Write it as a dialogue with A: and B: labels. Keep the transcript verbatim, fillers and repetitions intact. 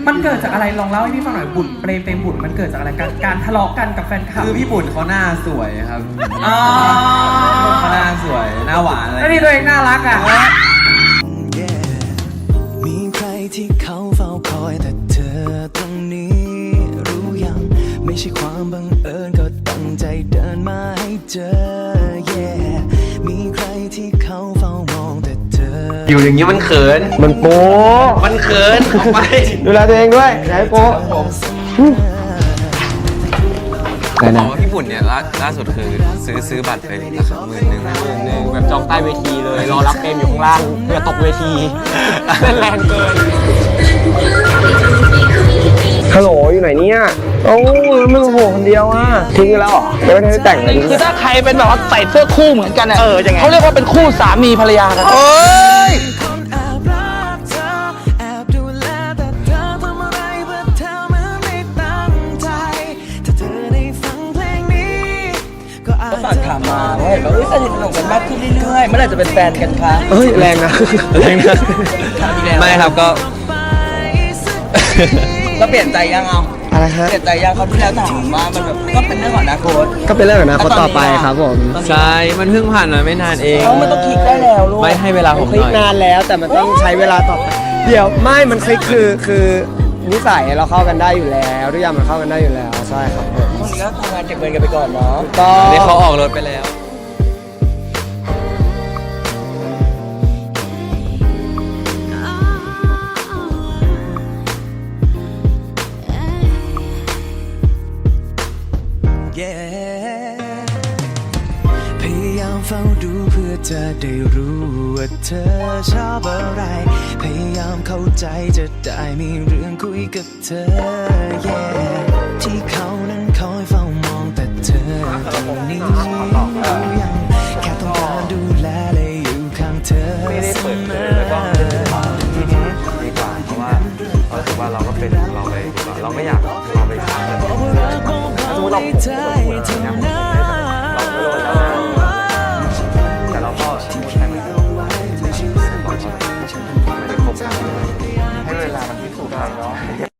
A: มันเกิดจากอะไรลองเล่าให้พี่ฟังหน่อยบุญเปรมเปรมบุญมันเกิดจากอะไรการการทะเลาะกันกับแฟนคลับ
B: คือพี่บุญเขาหน้าสวยครับ
A: อ๋อ
B: เขาหน้าสวยหน้าหวานอะไร
A: แล้วนี่ตัวเองน่ารักอ่ะ
C: มีใครที่เขาเฝ้าคอยแต่เธอตรงนี้รู้ยังไม่ใช่ความบังเอิญก็ตั้งใจเดินมาให้เจอ yeah มีใครที่เขาเฝ้ามองแต่เธอ
D: อยู่อย่างนี้มันเขิน
E: มันโป๊
D: มันเขินออกไป
E: ดูแลตัวเองด้วยอย่าให้โป๊ไหน
B: อ๋
E: นะ
B: อพี่บุญเนี่ยล่าล่าสุดคือซื้อซื้อบัตรไปราคาหมื่นหนึ่ง
D: หนึ่งหนึ่งแบบจองใต้เวทีเลยรอรับเต็มอยู่ข้างล่างเพื่อตกเวทีเล่นแรงเกิน
E: ฮัลโหลอยู่ไหนเนี่ยโอ้มึงโหคนเดียวอ่ะทิ้งกันแล้วเหรอไม่ได้แต่งเลย
F: คือถ้าใครเป็นแบบว่าใส่เสื้อคู่เหมือนกันเออยังไงเขาเรียกว่าเป็นคู่สามีภรรยากันเอ้ยฝากถามมาว่าเห็นว่าสนิทสนมกันมากขึ้นเรื่อยๆเมื่อไหร่จะเป็นแฟนกันคะ
E: เฮ้ยแรงนะแรงนะ
B: ไม่ครับก็
F: แล้วเปลี่ยนใจยังเอา
E: อะไรฮะ
F: เปลี่ยนใจยังเขาที่แล้วถามว่ามันแบบก็เป็นเรื่องของอนาคต
E: ก็เป็นเรื่องของอนาคตต่อไปครับผม
B: ใช่มันเพิ่งผ่านมาไม่นานเอง
F: เขาไม่ต้องคลิกได้แล้วลูก
B: ไม่ให้เวลาผมห
E: คลิก
B: น่อย
E: นานแล้วแต่มันต้องใช้เวลาต่อไปเดี๋ยวไม่มันคลิกคือคือนิสัยเราเข้ากันได้อยู่แล้วทุกอย่างมันเข้ากันได้อยู่แล้วใช่ครับผม
F: พวกนี้ก็ทำงานเก็บเงินกันไปก่อนเนาะ
E: ก็
B: นี่เขาออกรถไปแล้ว
C: พยายามเฝ้าดูเพื่อจะได้รู้ว่าเธอชอบอะไรพยายามเข้าใจจะได้มีเรื่องคุยกับเธอ yeah ที่เขานั้นคอยเฝ้ามองแต่เธอตรงนี้รู้ยังแค่ต้องการดูแลและอยู่ข้างเธอเสมอ
B: ดีกว่าเพราะว่าเราถือว่าเราก็เป็นเราไปดีกว่าเราไม่อยากเราไปช้าเลย
C: บอกว่ารักมองเขาในใจเท่านั้น